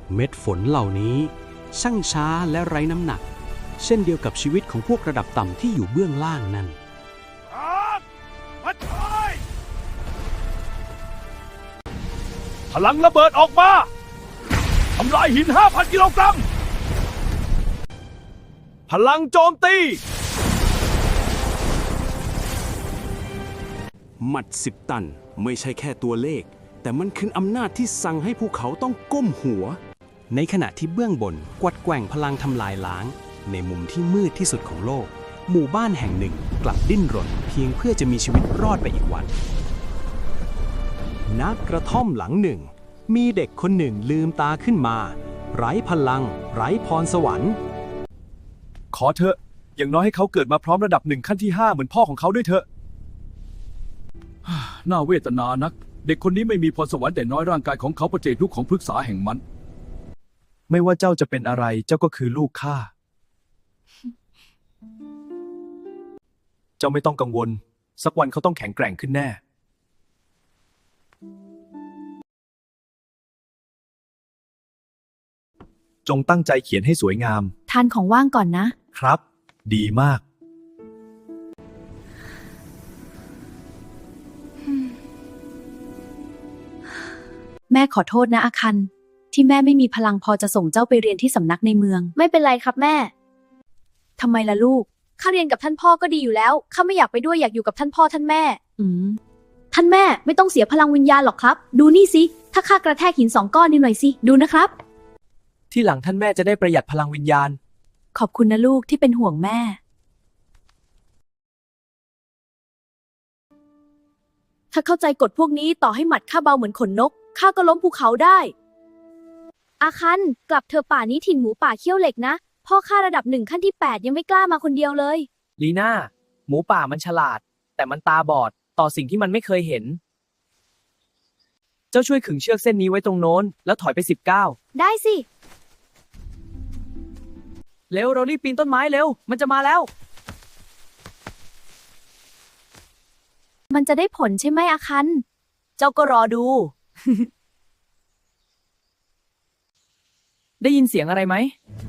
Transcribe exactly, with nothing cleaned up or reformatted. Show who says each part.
Speaker 1: เม็ดฝนเหล่านี้ช่างช้าและไร้น้ำหนักเช่นเดียวกับชีวิตของพวกระดับต่ำที่อยู่เบื้องล่างนั่น
Speaker 2: พลังระเบิดออกมาทำลายหิน ห้าพัน กิโลกรัมพลังโจมตี
Speaker 1: หมัดสิบตันไม่ใช่แค่ตัวเลขแต่มันคืออำนาจที่สั่งให้ภูเขาต้องก้มหัวในขณะที่เบื้องบนกวัดแกว่งพลังทำลายล้างในมุมที่มืดที่สุดของโลกหมู่บ้านแห่งหนึ่งกลับดิ้นรนเพียงเพื่อจะมีชีวิตรอดไปอีกวันณกระท่อมหลังหนึ่งมีเด็กคนหนึ่งลืมตาขึ้นมาไร้พลังไร้พรสวรรค์
Speaker 2: ขอเถอะอย่างน้อยให้เขาเกิดมาพร้อมระดับหนึ่งขั้นที่ห้าเหมือนพ่อของเขาด้วยเถอะ น่าเวทนานักเด็กคนนี้ไม่มีพรสวรรค์แต่น้อยร่างกายของเขาประเจกลูกของพฤกษาแห่งมันไม่ว่าเจ้าจะเป็นอะไรเจ้าก็คือลูกข้า เจ้าไม่ต้องกังวลสักวันเขาต้องแข็งแกร่งขึ้นแน่จงตั้งใจเขียนให้สวยงาม
Speaker 3: ทานของว่างก่อนนะครับ
Speaker 2: ดีมาก
Speaker 3: แม่ขอโทษนะอาคันที่แม่ไม่มีพลังพอจะส่งเจ้าไปเรียนที่สำนักในเมือง
Speaker 4: ไม่เป็นไรครับแม่
Speaker 3: ทำไมล่ะลูก
Speaker 4: ข้าเรียนกับท่านพ่อก็ดีอยู่แล้วข้าไม่อยากไปด้วยอยากอยู่กับท่านพ่อท่านแม่
Speaker 3: อืม
Speaker 4: ท่านแม่ไม่ต้องเสียพลังวิญญาณหรอกครับดูนี่สิถ้าข้ากระแทกหินสองก้อนนี่หน่อยสิดูนะครับ
Speaker 2: ที่หลังท่านแม่จะได้ประหยัดพลังวิญญาณ
Speaker 3: ขอบคุณนะลูกที่เป็นห่วงแม่
Speaker 4: ถ้าเข้าใจกฎพวกนี้ต่อให้หมัดข้าเบาเหมือนขนนกข้าก็ล้มภูเขาได้อาคันกลับเธอป่านี้ถิ่นหมูป่าเขี้ยวเหล็กนะพ่อข้าระดับหนึ่งขั้นที่แปดยังไม่กล้ามาคนเดียวเลย
Speaker 5: ลีน่าหมูป่ามันฉลาดแต่มันตาบอดต่อสิ่งที่มันไม่เคยเห็นเจ้าช่วยขึงเชือกเส้นนี้ไว้ตรงโน้นแล้วถอยไปสิบเก้า
Speaker 4: ได้สิ
Speaker 5: เร็วเรารีบปีนต้นไม้เร็วมันจะมาแล้ว
Speaker 4: มันจะได้ผลใช่ไหมอาคัน
Speaker 5: เจ้าก็รอดู ได้ยินเสียงอะไรไหม